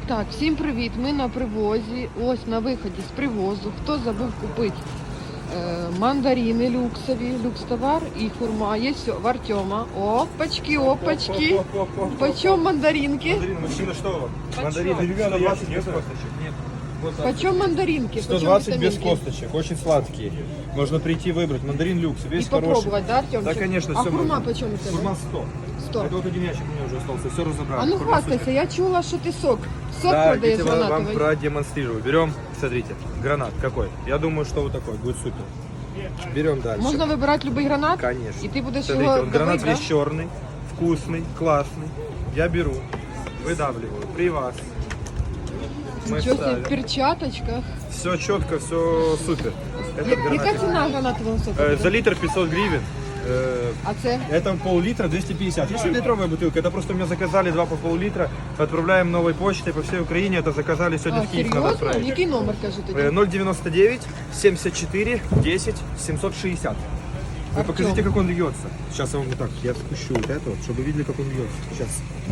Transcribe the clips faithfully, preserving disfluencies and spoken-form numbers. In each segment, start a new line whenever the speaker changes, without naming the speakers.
Так, всім привіт! Ми на привозі. Ось на виході з привозу. Хто забув купити е, мандарини люксові, люкс-товар і хурма. Є все в Артема. Опачки, опачки. Почем мандаринки?
Мандарин, мужчина, что вам?
Почем?
Мандарины сто двадцать без косточек. Нет. Вот так.
Почем мандаринки?
сто
Почем
двадцать без
витаминки?
косточек, очень сладкие. Можно прийти выбрать. Мандарин люкс,
И
весь хороший.
попробовать, да, Артемчик?
Да, конечно,
А
все
хурма
можно.
почем у тебя?
Хурма сто.
сто.
Это вот один ящик у меня уже остался, все разобрали.
А ну
Хурма
хвастайся, я чула, що ти сок. Сок
Да,
продаєш
видите, вам, вам
гранатовий.
продемонстрирую. Берем, смотрите, гранат какой. Я думаю, что вот такой, будет супер. Берем дальше.
Можна вибирати будь-який гранат?
Конечно.
І ти будеш
Смотрите,
його
вот гранат
давити,
весь черный, вкусный, классный. Я беру, выдавливаю при вас. Мы
Нічого себе,
ставим.
в перчаточках.
Все четко, все супер. Этот
Я-
гранатик.
Яка ціна гранатового соку?
Э, За литр пятьсот гривен. Э,
А це?
Это пол-литра двести пятьдесят. Если литровая бутылка, это просто у меня заказали два по пол-литра. Отправляем новой почтой по всей Украине. Это заказали сегодня
А,
в Киев, надо
серйозно?
отправить.
Який номер, кажи тоді?
Э, ноль девяносто девять семьдесят четыре десять семьсот шестьдесят. Вы
Артём.
покажите, как он льется. Сейчас я вам вот так, я спущу вот это, вот, чтобы вы видели, как он льется. Сейчас.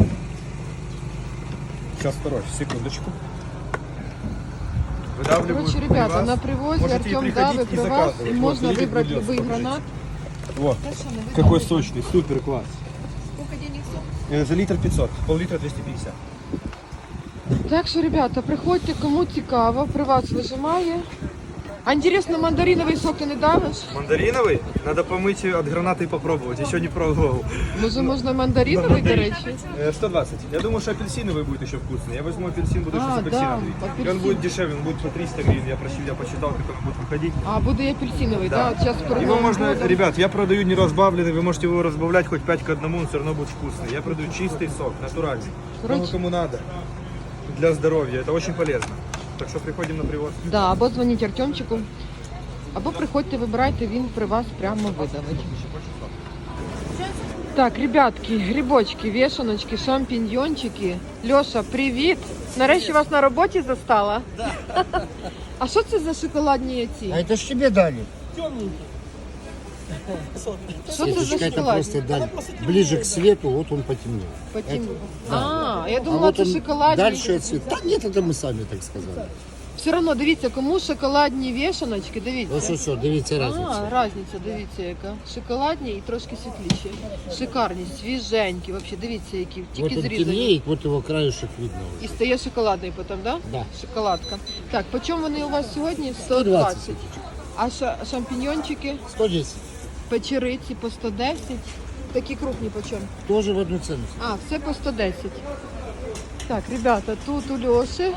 Сейчас второй, секундочку. Выдавливаю
Короче,
при
ребята,
вас.
на привозе
Можете
Артем
приходить
дави
и
при вас,
заказывать.
и
Вот,
можно
смотрите,
выбрать
как
любой
льется,
гранат.
Вот. Какой сочный, супер класс.
Сколько денег
Э, За литр пятьсот, пол-литра двести пятьдесят.
Так що, ребята, приходьте, кому цікаво, при вас вижимає. А інтересно, мандариновий сок ти не давиш?
Мандариновый? Надо помыть от гранаты и попробовать. Еще не пробовал.
Може, можна мандариновий, до речі?
Э, сто двадцать. Я думаю, что апельсиновый будет еще вкусный. Я возьму апельсин, буду еще
А,
с апельсином.
да,
И он будет дешевле, он будет по триста гривен. Я просил, я посчитал, как он будет выходить.
А, буде і апельсиновий,
Да.
да? Зараз перед
Его
Новим
можно,
годом.
ребят, я продаю не разбавленный, вы можете его разбавлять хоть пять к одному, он все равно будет вкусный. Я продаю чистый сок, натуральный.
Короче.
Кому кому надо. Для здоровья, это очень полезно. Так что приходим на привоз.
Да, або дзвоніть Артемчику, або приходьте, вибирайте, він при вас прямо видавить. Так, ребятки, грибочки, вешаночки, шампіньйончики. Льоша, привіт! Нарешті вас на роботі застала? Да. А що це за шоколадні ці?
А это ж тебе дали.
Що це за
Светочка, это
шоколадні?
просто дали. Ближе к свету, вот он потемнел.
Потім...
Да.
А, я
А
думала,
вот
це
он
шоколадні.
дальше от цвета. Да нет, это мы сами так сказали.
Все одно, дивіться, кому шоколадні вішаночки, дивіться.
Ну що, що, дивіться разницю.
А, різниця, дивіться яка. Шоколадні і трошки світліші. Шикарні, свіженькі, взагалі, дивіться, які,
Вот
тільки
он
зрізані.
темнеет, вот его краешек видно
І
уже.
стає шоколадний потім, да?
Да.
Шоколадка. Так, по чому вони у вас сьогодні? сто
сто двадцать.
двадцять. А ша- шампіньончики,
сто десять.
печериці по сто десять. Такі крупні по чому?
Тоже в одну цену.
А, все по сто десять. Так, ребята, тут у Льоші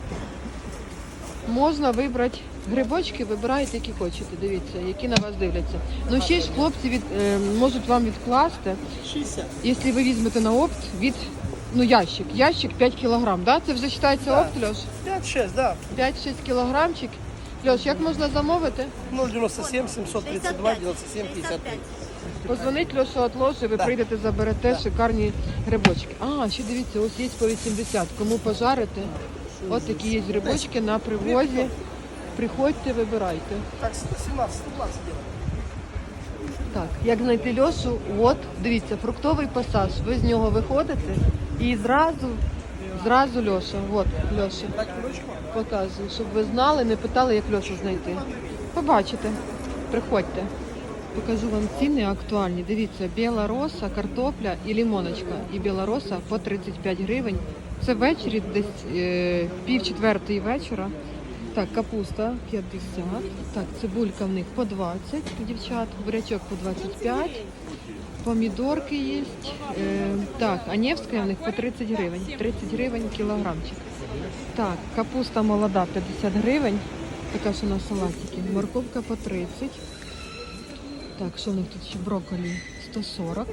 можна вибрати грибочки, вибирайте, які хочете. Дивіться, які на вас дивляться. Ну ще ж хлопці від, е, можуть вам відкласти, якщо ви візьмете на опт, від ну, ящик. Ящик п'ять кілограм, да? Це вже вважається опт, Льош?
пять-шесть, да.
п'ять-шість кілограмчик. Льош, як можна замовити?
ноль девяносто семь семьсот тридцать два девяносто семь пятьдесят три.
Позвонить Льошу от ложі, ви прийдете, заберете шикарні грибочки. А, ще дивіться, ось є по вісімдесят. Кому пожарити? От такі є грибочки на привозі. Приходьте, вибирайте.
Так, сто семнадцать, сто двадцать делаем.
Так, як знайти Льошу? От, дивіться, фруктовий пасаж. Ви з нього виходите і зразу, зразу Льоша. От, Льоша.
Так, ручку.
Показую, щоб ви знали, не питали, як Льошу знайти. Побачите, приходьте. Покажу вам ціни актуальні. Дивіться, біла роса, картопля і лімоночка. І біла роса по тридцять п'ять гривень. Це ввечері, десь е, пів четвертої вечора. Так, капуста п'ятдесят. Так, цибулька в них по двадцять, дівчат. Бурячок по двадцять п'ять. Помідорки є. Е, так, а Невська в них по тридцять гривень. тридцять гривень кілограмчик. Так, капуста молода п'ятдесят гривень. Така що на салатики. Морковка по тридцять. Так, що в них тут ще брокколі сто сорок.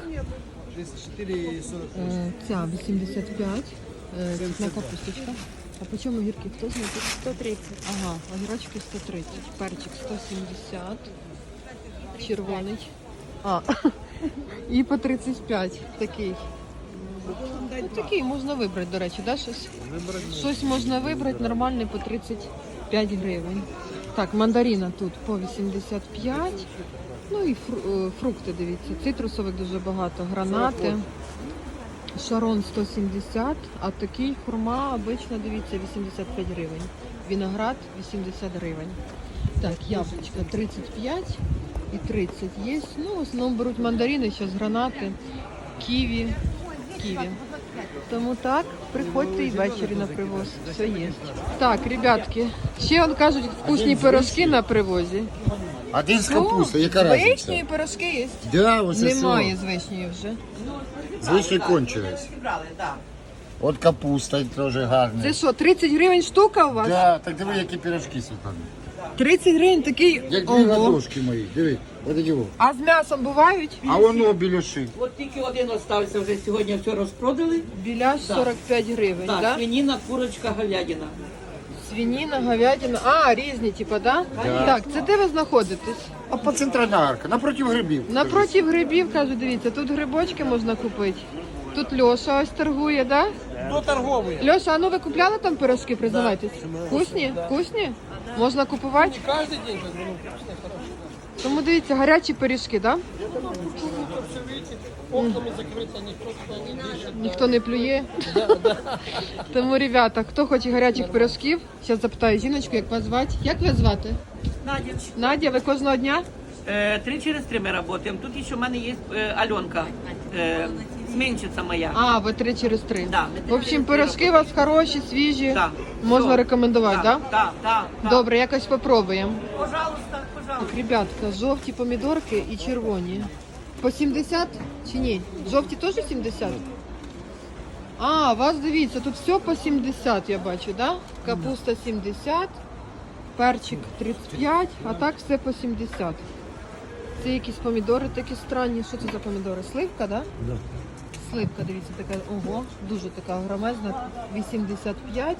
Е, ця вісімдесят п'ять. Е, цвітна капусточка. А по чому огірки? Хто знає? сто тридцять. Ага, огірочки сто тридцять. Перчик сто сімдесят. Червоний. А, і по тридцять п'ять такий. Ну, такий можна вибрати, до речі, да, щось? Щось можна вибрати нормальний по тридцять п'ять гривень. Так, мандарина тут по вісімдесят п'ять. Ну і фру- е, фрукти, дивіться. Цитрусових дуже багато, гранати. Шарон сто сімдесят, а такий хурма обично, дивіться, вісімдесят п'ять гривень. Виноград вісімдесят гривень. Так, яблучко тридцять п'ять і тридцять є. Ну, в основному беруть мандарини, зараз гранати, ківі, ківі. Тому так, приходьте і ввечері на привоз. Все є. Так, ребятки, ще он кажуть, вкусні пирожки на привозі.
Один з капусти, яка
Вишні
разниця?
пирожки є?
Да, ось
Немає з вишнею вже.
Вишні кончились. От капуста теж гарна.
Це що, тридцять гривень штука у вас?
Да, так диви, які пирожки, Світлана.
тридцять гривень такий.
Як дві
Ого.
ладошки мої, диви, от його.
А з м'ясом бувають?
А воно білюши.
От тільки один остався вже сьогодні, все розпродали.
Біляш сорок п'ять гривень,
Так,
да?
свинина, курочка, говядина.
Свинина, говядина. А, різні, типа, да?
Да.
Так, це де ви знаходитесь?
А по центральна арка, напроти грибів.
Напроти грибів, кажу, дивіться, тут грибочки можна купити. Тут Льоша ось торгує, да?
Кто торговый?
Льоша, а ну ви купляли там пирожки, признавайтесь? Вкусні? Вкусні? Можна купувати?
Каждый день, как бы, ну, вкусные, хорошие.
Тому дивіться, гарячі пиріжки, да?
Тут все, видите, окнами закрыто, никто туда не дышит.
Ніхто не плює. Тому, ребята, хто хоче гарячих пирожків, зараз запитаю жіночку, як вас звати. Як вас звати?
Надя.
Надя, ви кожного дня?
Э, три через три мы работаем. Тут еще у меня есть э, Аленка, э, сменщица моя.
А, ви три через три.
Да, ми три
В общем,
через три
пирожки у вас хороші, свіжі.
Да.
Можна
Все.
рекомендувати, так? Да?
Да, да, да.
Добре, якось попробуємо.
Пожалуйста, пожалуйста.
Ребятка, жовті помідорки і червоні. По сімдесят чи ні? Жовті теж сімдесят? А, у вас дивіться, тут все по сімдесят, я бачу, да? Капуста сімдесят, перчик тридцять п'ять, а так все по сімдесят. Це якісь помідори такі странні. Що це за помідори? Сливка, да?
Да.
Сливка, дивіться, така, ого, дуже така громезна, вісімдесят п'ять.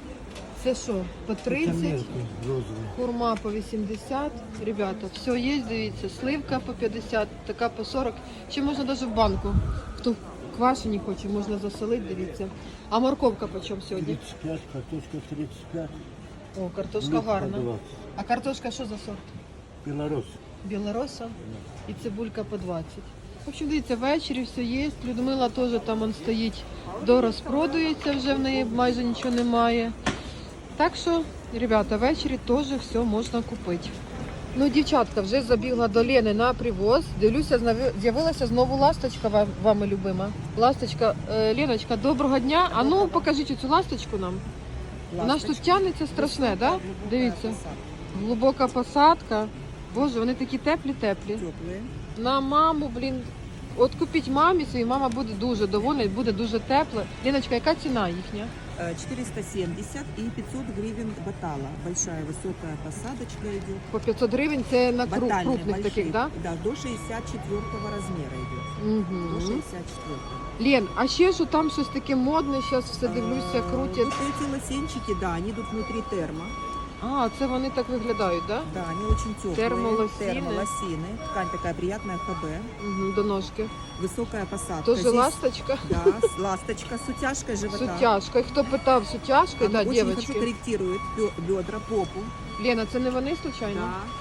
Це що, по тридцять? Хурма по вісімдесят. Ребята, все є, дивіться, сливка по п'ятдесят, така по сорок. Ще можна навіть в банку. Хто квашені хоче, можна засолити, дивіться. А морковка по чому сьогодні?
тридцять п'ять, картошка тридцять п'ять.
О, картошка гарна. А картошка що за сорт?
Білорус.
Білороса і цибулька по двадцять. В общем, дивіться, ввечері все є. Людмила теж там он стоїть, дорозпродується, вже в неї майже нічого немає. Так що, ребята, ввечері теж все можна купити. Ну, дівчатка, вже забігла до Лени на привоз. Дивлюся, знави- з'явилася знову ласточка ва- вами любима. Ласточка, е, Леночка, доброго дня. А ну, покажіть цю ласточку нам. Вона ж тут тягнеться страшне, да? Дивіться. Глибока посадка. Боже, вони такі теплі-теплі. На маму, блін. От купіть мамі своїй, мама буде дуже довольна і буде дуже тепла. Ліночка, яка ціна їхня?
четыреста семьдесят и пятьсот гривен батала. Большая высокая посадочка идет.
По п'ятсот гривень це на кру-
Батальные
крупних
большие.
таких, да?
Да, до шестьдесят четвёртого размера идет.
Угу.
До шестьдесят четвёртого.
Лен, а ще що там щось таке модне, зараз все дивлюся, крутять.
Вот эти лосинчики, да, они идут внутри термо.
А, це вони так виглядають, да?
Да, они очень теплые.
Термолосины.
Термолосины. Ткань такая приятная, ХБ.
Угу, до ножки.
Высокая посадка.
Тоже
Здесь,
ласточка?
Да, с- ласточка с утяжкой живота.
З утяжкою. Хто питав, з утяжкою?
Она
Да,
очень
дівчатки.
хорошо корректирует бё- бедра, попу.
Лена, це не вони случайно?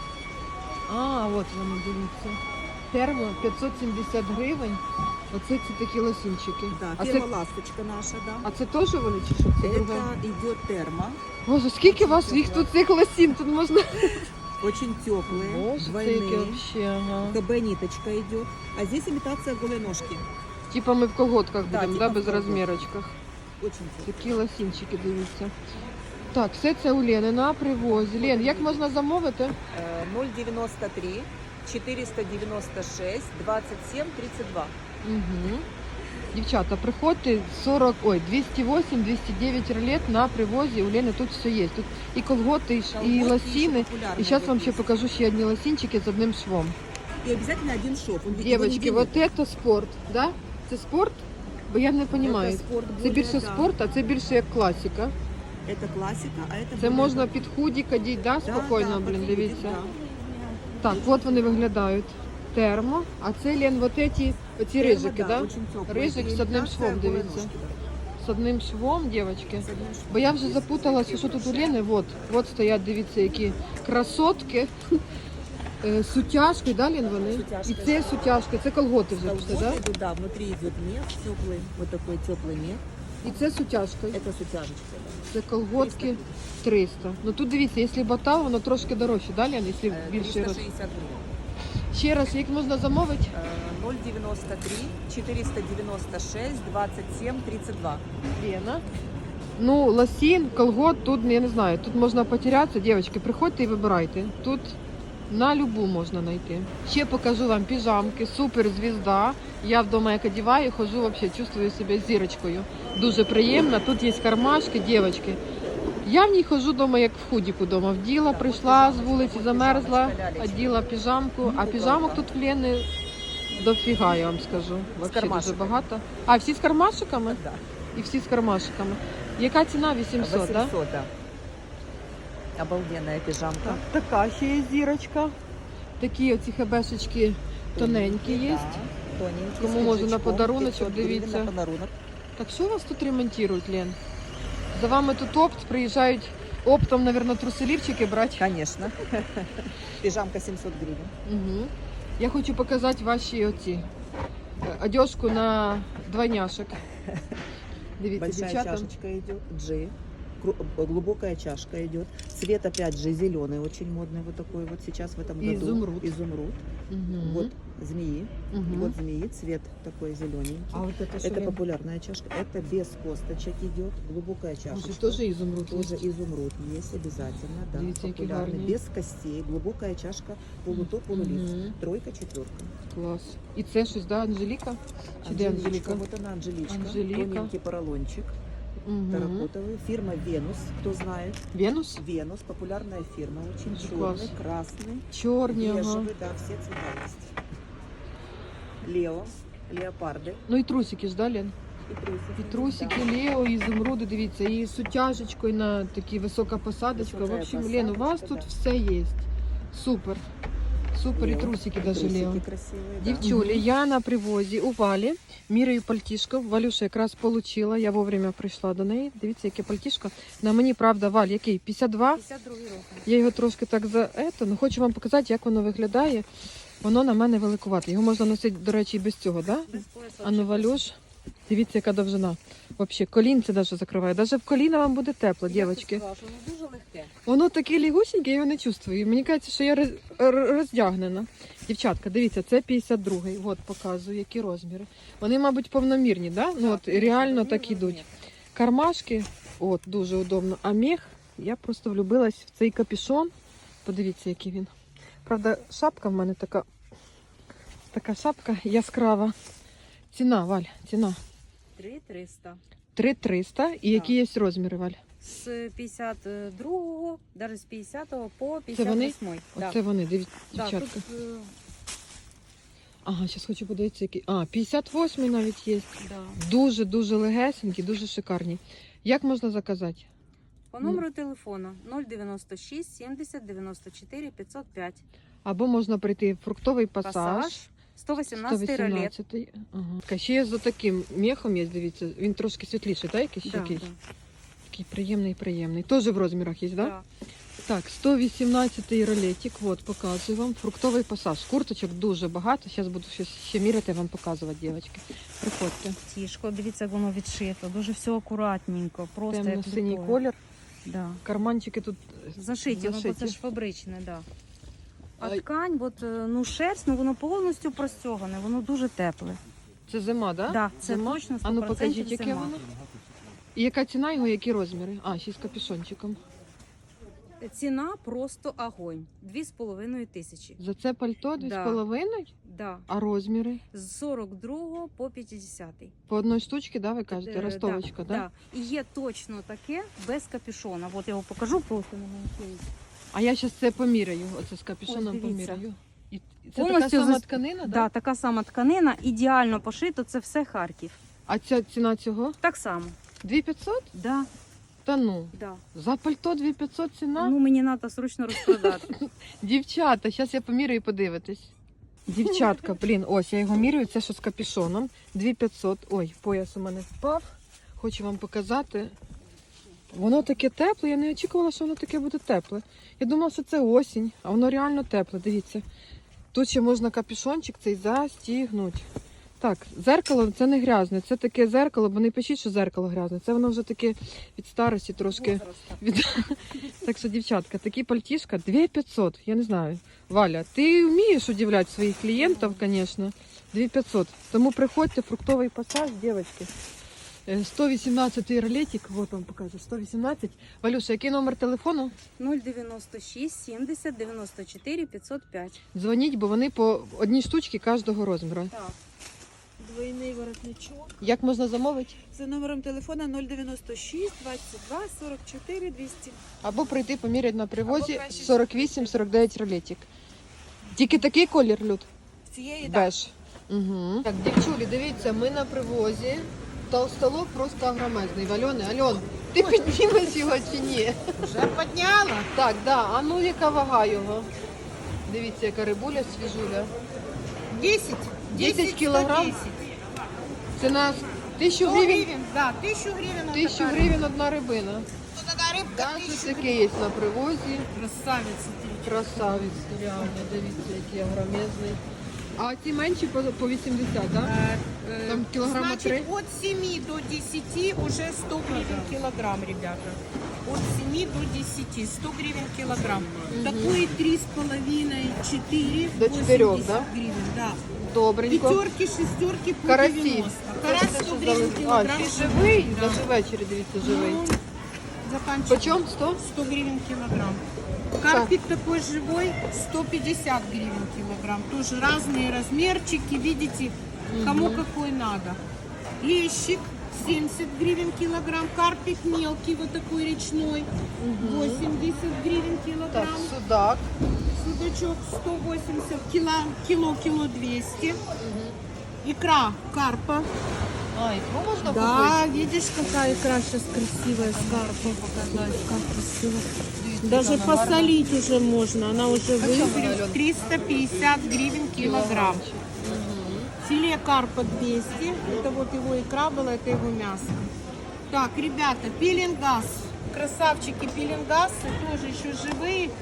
Да.
А, от вони, дивіться. Термо п'ятсот сімдесят гривень. Оце ці такі лосінчики.
Да,
А це,
термоласточка наша, да.
а це теж вони чи що? Це друге?
Это идет термо.
Боже, скільки у вас їх тут цих лосін? Тут можна...
Очень теплые,
Боже, це яке
двойные.
вообще, ага.
КБ ниточка идет. А здесь имитация голой ножки.
Типа ми в колготках
Да,
будемо,
типа
да, без
в колготках.
розмірочках.
Очень теплые.
Такі лосінчики, дивіться. Так, все це у Лени на привозі. Лен, як можна замовити?
Э, ноль девяносто три четыреста девяносто шесть двадцать семь тридцать два.
Угу. Дівчата, приходьте сорок, ой, двісті вісім двісті дев'ять ролет на привозі. У Лени тут все є. Тут і колготи, і, ш- і
Колготки
лосіни.
еще популярные
І зараз вам
здесь
ще
есть.
покажу ще одні лосінчики з одним швом.
И обязательно один шов. Он ведь его не
Дівчатки,
делит.
вот це спорт, да? Це спорт? Бо я не розумію.
Це спорт
Це
более,
більше
да.
спорт, а це більше як класика.
Это классика, а это...
Це
более-
можна під худі кадіть, да,
Да,
спокійно,
да,
блін,
подходит,
дивіться.
да.
Так, от вони виглядають. Термо, а це Лен, вот эти, оці
Термо,
рижики, да?
очень теплые.
Рижик з одним
Имитация
швом,
голой
дивіться.
ножки, да.
З одним швом, дівчатки.
С одним швом.
Бо я вже запуталася, що тут у Лени. Вот, от стоять, дивіться, які красотки. Е, з сутяжкою, да, Лен, вони?
Сутяжка,
І це сутяжка, це колготи вже пішли,
Колготы
да?
идут, да, внутри идет мех теплый, вот такой теплый мех.
І це сутяжкою.
Это с утяжечкой, да.
Це колготки триста. Ну тут дивіться, якщо батал, воно трошки дорожче, да, Лен, якщо
Э,
більший
триста
роз.
шестьдесят гривен.
Ще раз, як можна замовити?
Э, ноль девяносто три четыреста девяносто шесть двадцать семь тридцать два.
Лена. Ну, лосін, колгот, тут, я не знаю, тут можна потерятися. Дівчатки, приходьте і вибирайте. Тут на любу можна знайти. Ще покажу вам піжамки, супер звізда. Я вдома як одіваю, хожу, взагалі, чувствую себе зірочкою. Дуже приємно. Тут є кармашки, дівчатки. Я в ній хожу вдома, як в худіку вдома. Вділа, прийшла з вулиці, замерзла, оділа піжамку. А піжамок тут в Лени дофіга, я вам скажу. Взагалі дуже
кармашиками.
багато. А, всі з кармашиками?
Да.
І всі з кармашиками. Яка ціна? вісімсот, так? Да?
восемьсот, да. Обалденная пижамка.
Так, така ще є зірочка. Такі оці хебешечки тоненькі є.
Да, тоненькие,
Кому
с
може на
крючком,
подаруночок,
пятьсот гривен
дивіться.
на подарунок.
Так що у вас тут ремонтують, Лен? За вами тут опт, приїжджають оптом, мабуть, труселівчики брати.
Конечно. Пижамка семьсот гривен.
Угу. Я хочу показати ваші оці е, одежку на двойняшок. Дивіться,
Большая
дівчата.
чашечка идет, G. Кру- Глубокая чашка идет. Цвет опять же зеленый, очень модный вот такой вот сейчас в этом году.
Изумруд.
Изумруд.
Угу.
Вот змеи.
Угу.
Вот змеи, цвет такой зелененький.
А от це що,
Это
Лен?
популярная чашка. Это без косточек идет. Глубокая чашечка.
Може, теж ізумруд
Тоже
є?
изумруд есть обязательно, да.
Видите, какие
Популярный.
гарные.
Без костей. Глубокая чашка. Полутоп, полулист.
Мгм.
Тройка, четверка.
Клас. І це щось, да, Анжеліка? Чи де Анжеліка?
Вот она, Анжеличка.
Анжелика.
Тоненький поролончик.
Угу.
Терракотовый. Фирма Венус, кто знает.
Венус?
Венус, популярная фирма, очень
Очень
черный,
класс.
красный,
Чорні, ага.
бежевый, да, все цвета есть. Лео, леопарды
Ну і трусики ж, да, Лен?
и трусики.
І трусики, Лео, і ізумруди, дивіться, і з утяжечкою на такі висока посадочка. В
Висока
общем, Лен, у вас
посадочка,
тут
да.
все є. Супер. Супер, і
Лео.
трусики
И
даже
трусики
Лео.
красивые, да.
Дівчулі, я на привозі у Валі, міряю пальтішко. Валюша якраз получила, я вовремя прийшла до неї. Дивіться, яке пальтішко. На мені, правда, Валь, який? п'ятдесят два?
п'ятдесят другий рок.
Я його трошки так за ето, ну хочу вам показати, як воно виглядає. Воно на мене великувате. Його можна носити, до речі, і без цього, да?
Без пояса.
А ну, Валюш, дивіться, яка довжина. Взагалі, колінце навіть закриває. Навіть в коліна вам буде тепло, дівчатки.
Воно дуже легке.
Воно таке лігусіньке, я його не чувствую. Мені кажеться, що я роз- р- роздягнена. Дівчатка, дивіться, це п'ятдесят другий. От показую, які розміри. Вони, мабуть, повномірні, да? Ну, от реально так ідуть. Кармашки, от, дуже удобно. А мех, я просто влюбилась в цей капюшон. Подивіться, який він. Правда, шапка в мене така, така шапка яскрава. Ціна, Валь, ціна.
три триста.
три триста. І які є розміри, Валь?
З п'ятдесят другого, навіть з п'ятдесятого по
Це
п'ятдесят
вони?
восьмий. Да.
Оце вони, дивіться,
Да,
дівчатка.
тут, е,
Ага, зараз хочу подивитися, які. А, п'ятдесят восьмий навіть є.
да.
Дуже-дуже легесенькі, дуже шикарні. Як можна заказати?
По номеру телефону нуль дев'яносто шість сімдесят дев'яносто чотири п'ятсот п'ять.
Або можна прийти в фруктовий пасаж.
Пасаж сто вісімнадцятий ролет.
сто вісімнадцятий. Ага. Така, ще є за таким мехом є, дивіться. Він трошки світліший, так? Якийсь
Да,
якийсь?
да.
Такий приємний, приємний. Теж в розмірах є, так? Да?
Да.
Так, сто вісімнадцятий ролетик, от, показую вам. Фруктовий пасаж. Курточок дуже багато. Зараз буду ще, ще міряти, вам показувати, дівчатки. Приходьте.
Тішко, дивіться, як воно відшито. Дуже все акуратненько. Просто як
Темно-синій
літое.
колір.
Да.
Карманчики тут
Зашиті, воно
зашиті.
це ж фабричне, да. А
Ай.
ткань, от, е, ну шерсть, ну воно повністю простягане, воно дуже тепле.
Це зима, так? Да?
Да, це
Зима?
точно
А ну
сто
покажіть,
відсотків
яке
зима.
воно. І яка ціна його, які розміри? А, ще з капюшончиком.
Ціна просто огонь. Дві з половиною тисячі.
За це пальто дві
Да.
з половиною,
Да.
а розміри?
З сорок другого по п'ятдесятий.
По одній штучці, да, ви кажете?
Е,
Ростовочка, да?
Да. І є точно таке без капюшона. От я його покажу просто на манекені.
А я зараз це поміряю, оце з капюшоном
Ось дивіться.
поміряю. І і це
Повністю
така сама
зас-
тканина,
Да,
да?
така сама тканина, ідеально пошито, це все Харків.
А ця ціна цього?
Так само.
дві п'ятсот?
Да,
Та ну,
да.
за пальто дві п'ятсот ціна?
Ну мені треба срочно розпродати.
Дівчата, зараз я поміряю і подивитесь. Дівчатка, блін, ось я його міряю, це що з капюшоном. дві п'ятсот. Ой, пояс у мене впав. Хочу вам показати. Воно таке тепле, я не очікувала, що воно таке буде тепле. Я думала, що це осінь, а воно реально тепле, дивіться. Тут ще можна капюшончик цей застігнути. Так, зеркало це не грязне, це таке зеркало, бо не пишіть, що зеркало грязне. Це воно вже таке від старості трошки. Від... Так що, дівчатка, такі пальтішка дві п'ятсот, я не знаю. Валя, ти вмієш удивляти своїх клієнтів, звісно. дві п'ятсот. Тому приходьте, фруктовий пасаж, дівчатки. сто вісімнадцять ролетик, вот вам покажу, сто вісімнадцять. Валюша, який номер телефону?
нуль дев'яносто шість сімдесят дев'яносто чотири п'ятсот п'ять.
Дзвоніть, бо вони по одній штучці кожного розміру.
Так. Двойний воротничок.
Як можна замовити?
За номером телефона нуль дев'яносто шість двадцять два сорок чотири двісті.
Або прийти поміряти на привозі
Або краще
сорок вісім сорок дев'ять ролетик. Тільки такий колір, Люд?
Цієї
Беж. Угу. Так, дівчулі, дивіться, ми на привозі. Толстолоб просто огромезний. Альони, Альон, ти піднімеш його чи ні?
Вже підняла.
Так, да. А ну яка вага його? Дивіться, яка рибуля свіжуля.
десять.
десять кілограм? Це на тисячу
сто
гривень?
гривен, да, тысячу гривен. вот
Тисячу
такая
гривень одна рибина.
рыбка. Вот такая рыбка,
Даже
тысячу
таке є на привозі.
Красавица.
Красавець, реально, дивіться, який огромезний. А ці менші по, по вісімдесят, так? Да?
Э,
Там килограмма три?
Значит, от семи до десяти уже сто гривен килограмм, ребята. От семи до десяти, сто гривен килограмм. Такой три с половиной, четыре,
До четырех, да?
гривен, да.
Добренько.
Пятерки, шестерки по
Карасі.
девяносто. Карась сто гривен
А,
килограмм.
ще живий? Даже ввечері, дивіться, живий.
Ну, заканчиваем.
Почем? сто?
сто гривен килограмм. Карпик такой живой, сто пятьдесят гривен килограмм. Тоже разные размерчики, видите, кому какой надо. Лещик семьдесят гривен килограмм. Карпик мелкий, вот такой речной, восемьдесят гривен
Так,
килограмм.
судак.
Судачок сто восемьдесят, кило, кило, кило двести. Икра карпа.
А, ікру можна
Да,
купити?
видишь, какая икра сейчас красивая с карпом. Как красиво.
Дивіться,
Даже
яка вона гарна.
посолить уже можно. Она уже
Почем она,
вызрела.
Алён?
триста пятьдесят гривен килограмм. Филе карпа двести. Это вот его икра была, это его мясо. Так, ребята, пеленгаз. Красавчики, пеленгасы тоже еще живые.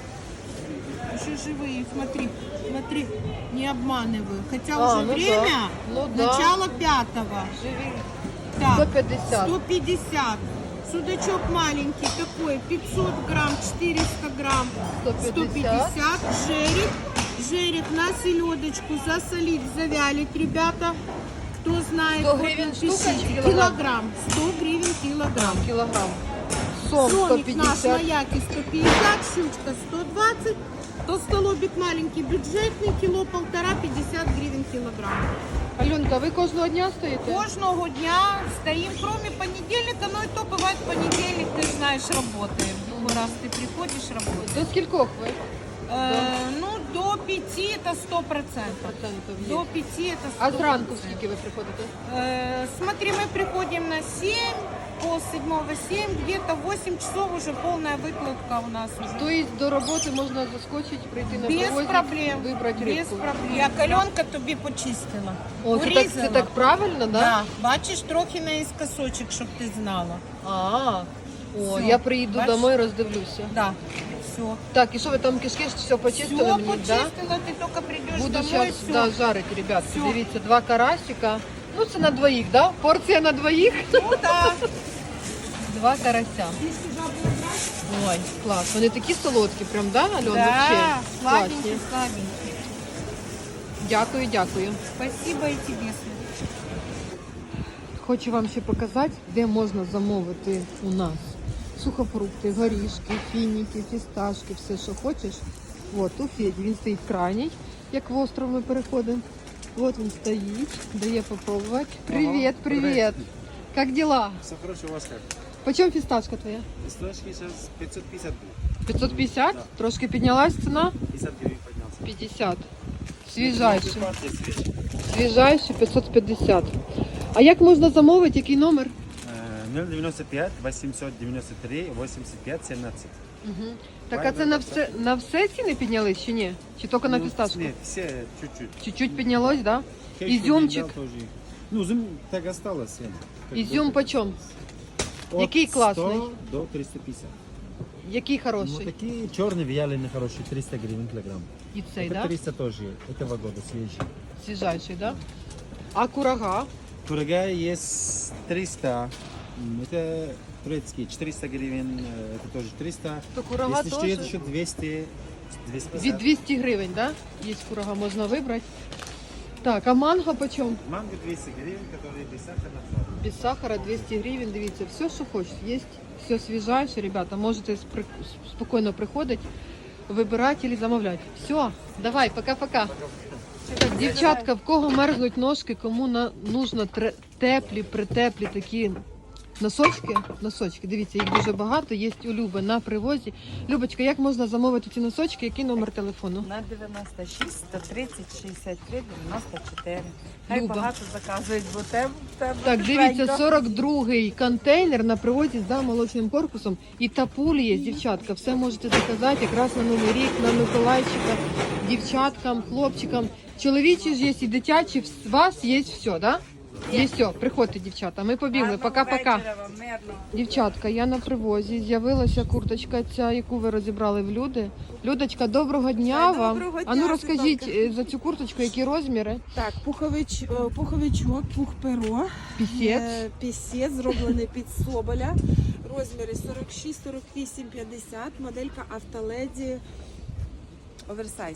Еще живые. Смотри, смотри, не обманываю. Хотя
А,
уже
ну
время
да. Ну да.
начало пятого.
Живий.
Так,
сто п'ятдесят.
сто пятьдесят. Судачок маленький такой, пятьсот грамм, четыреста грамм,
сто
сто пятьдесят. Жерик, жерик на селедочку засолить, завялить, ребята. Кто знает,
сто
вот
гривен
напишите.
штука чи килограмм?
Килограмм, сто гривен килограмм.
Кілограм. Сом сто
Соник наш на
п'ятдесят.
яке сто пятьдесят, щучка сто двадцать. Толстолобик маленький, бюджетный, кило полтора, пятьдесят гривен килограмм.
Альонка, ви кожного дня стоїте?
Кожного дня стоим, кроме понедельника, но и то бывает понедельник, ты знаешь, работаем. Другой раз ты приходишь, работаешь.
До скількох ви?
Э, ну, до пяти это сто процентов.
Процентів є.
До пяти это сто
А зранку скільки ви приходите?
Э, смотри, мы приходим на семь, пол седьмого семь, где-то восемь часов уже полная выкладка у нас уже.
Тобто до роботи можна заскочити, прийти на
Без
привозі,
проблем.
вибрати
Без
рибку.
проблем. Я каленка тобі почистила.
О, це так,
Урізала.
це так правильно, да?
Да. Бачиш, трохи наискосочек, щоб ти знала.
А, о,
Всё.
я приїду
Бачиш?
домой, роздивлюся.
Да. Все.
Так, і що ви там кишки все почистили
Все
мені, да?
почистила, ти тільки прийдеш
Буду
домой,
зараз
все.
да, жарити, ребятки.
Всё.
Дивіться, два карасика. Ну, це на двоїх, да? Порція на двоїх.
Ну да.
Два карася. Ой, клас. Вони такі солодкі, прям, да, Альон? Вообще
Да,
класні.
сладенький, сладенький.
Дякую, дякую.
Спасибо и тебе.
Хочу вам ще показати, де можна замовити у нас сухофрукти, горішки, фініки, фісташки, все, що хочеш. От, у Феді, він стоїть крайній, як в остров ми переходимо. От він стоїть, дає попробувати. Привіт, привіт. Як дела?
Все хорошо, у вас как?
Почем фісташка твоя?
Листочки сейчас пятьсот пятьдесят будет.
п'ятсот п'ятдесят? Трошки піднялась ціна?
пятьдесят гривен поднялся.
п'ятдесят. Свіжайший.
Партия свежая.
Свіжайший п'ятсот п'ятдесят. А як можна замовити, який номер?
Э, ноль девяносто пять восемьсот девяносто три восемьдесят пять семнадцать.
Угу. Так, а це на все, на все ціни піднялись чи ні? Чи тільки на фісташку?
Нет, все чуть-чуть.
Чуть-чуть піднялось, да?
Хейшу
Изюмчик.
не дал тоже. Ну, зум так осталось. я, как
Ізюм
бы.
почем?
от
Який класний?
сто до триста пятьдесят.
Який
Ну,
хороший?
такие черные вяленые хорошие, триста гривен килограмм.
І цей,
Это
да?
триста тоже этого года свежий.
Свіжайший, да? А курага?
Курага есть триста. м, Это турецкий, четыреста гривен, э, это тоже триста.
То курага
Если что,
теж
есть еще двести, двести
від
пятьдесят.
двісті гривень, да? Є курага, можна вибрати. Так, а манго почем?
Манго двести гривен, которые без сахара на сахар.
Без сахара двісті гривень, дивіться, все, що хочете, є. Все свіжайше, ребята, можете спри- спокійно приходити, вибирати або замовляти. Все, давай, пока-пока. Так, дівчатка, в кого мерзнуть ножки, кому на, нужно тре- теплі, притеплі такі носочки, носочки, дивіться, їх дуже багато, є у Люби на привозі. Любочка, як можна замовити ці носочки, який номер телефону?
На дев'яносто шість, сто тридцять, шістдесят три, дев'яносто чотири. Хай
Люба.
багато заказують, бо тебе, тебе
Так, дивіться,
тепленько.
сорок другий контейнер на привозі за молочним корпусом. І тапулі є, дівчатка. Все можете заказати якраз на Новий рік, на Миколайчика, дівчаткам, хлопчикам. Чоловічі ж є і дитячі, у вас є все, да? Є все, приходьте, дівчата. Ми побігли,
Гарного
пока-пока.
вечора вам, мирного.
Дівчатка, я на привозі. З'явилася курточка ця, яку ви розібрали в люди. Людочка, доброго дня
Ой,
вам.
доброго
А ну
дня,
розкажіть
Світланка.
е, за цю курточку, які розміри?
Так, пухович, е, пуховичок, пух-перо.
Пісець.
Е, Пісець, зроблений під соболя. Розміри сорок шість, сорок вісім, п'ятдесят. Моделька Автоледі оверсайз.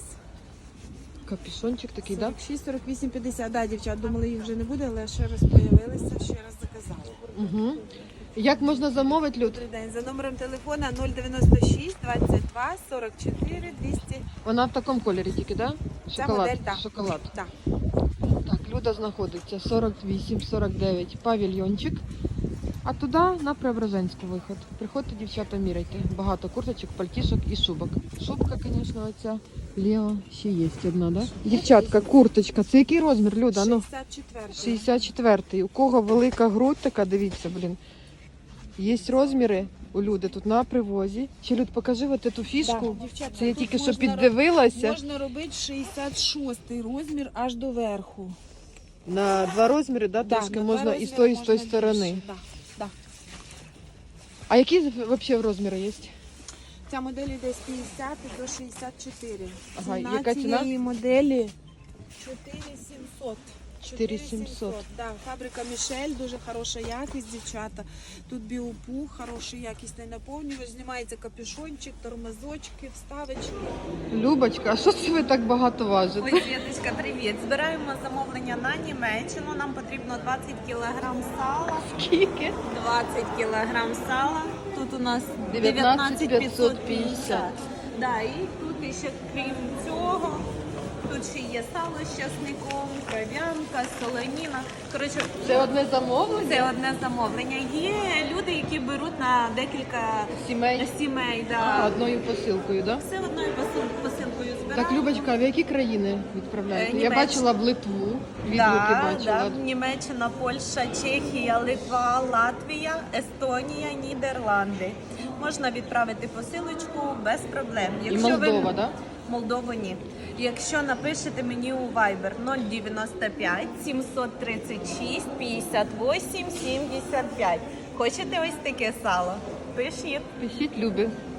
Капюшончик такий, да?
сорок шість, сорок вісім, п'ятдесят. Да, дівчат, думали, їх вже не буде, але ще раз появилися, ще раз заказали.
Угу. Як можна замовити, Люд?
Добрий день. За номером телефона нуль дев'яносто шість, двадцять два, сорок чотири, двісті.
Вона в такому кольорі тільки, да?
Ця
Шоколад.
модель, так.
Шоколад.
Так.
Так, Люда знаходиться сорок вісім сорок дев'ять павільйончик. А туди на Преображенську виход. Приходьте, дівчата, міряйте. Багато курточок, пальтішок і шубок. Шубка, звісно, оця. Лео ще є одна, да? Дівчатка, курточка. Це який розмір, Люда? Ну,
шістдесят четвертий.
шістдесят четвертий. У кого велика грудь така, дивіться, блін. Є розміри у Люди тут на привозі. Чи, Люд, покажи от цю фішку.
Да, дівчатка,
Це я
тут
тільки що
можна
піддивилася.
Можна робити шістдесят шостий розмір аж до верху.
На два розміри, да,
Да,
трошки
на
можна
два
і з
розміри
тої, і з тої
можна
сторони.
більше. Да, да.
А які взагалі розміри є?
Ця модель йде з п'ятдесят до шістдесят чотири.
Ага,
ціна
яка ціна?
цієї моделі чотири сімсот.
чотири сімсот.
Да, фабрика Мішель, дуже хороша якість, дівчата. Тут біопух, хороший якісний наповнювач, знімається капюшончик, тормозочки, вставочки.
Любочка, а що це ви так багато важите?
Ой, Світочка, привіт. Збираємо замовлення на Німеччину. Нам потрібно двадцять кілограм сала.
Скільки?
двадцять кілограм сала. Тут у нас
дев'ятнадцять
дев'ятнадцять п'ятсот п'ятдесят. Да, і тут ще крім цього, тут ще є сало з часником, кров'янка, солоніна. Коротше,
Це одне замовлення?
це одне замовлення. Є люди, які беруть на декілька
Сімей?
сімей.
А,
Да.
одною посилкою, так? Да?
Все одною посил- посилкою збираємо.
Так, Любочка, а в які країни відправляєте?
Е,
Я
Німеччина.
бачила в Литву, відгуки
Да,
бачила.
да. Німеччина, Польща, Чехія, Литва, Латвія, Естонія, Нідерланди. Можна відправити посилочку без проблем.
І Молдова, так? Да?
Молдову ні. Якщо напишете мені у Viber нуль дев'яносто п'ять сімсот тридцять шість п'ятдесят вісім сімдесят п'ять. Хочете ось таке сало? Пишіть.
Пишіть, Любі.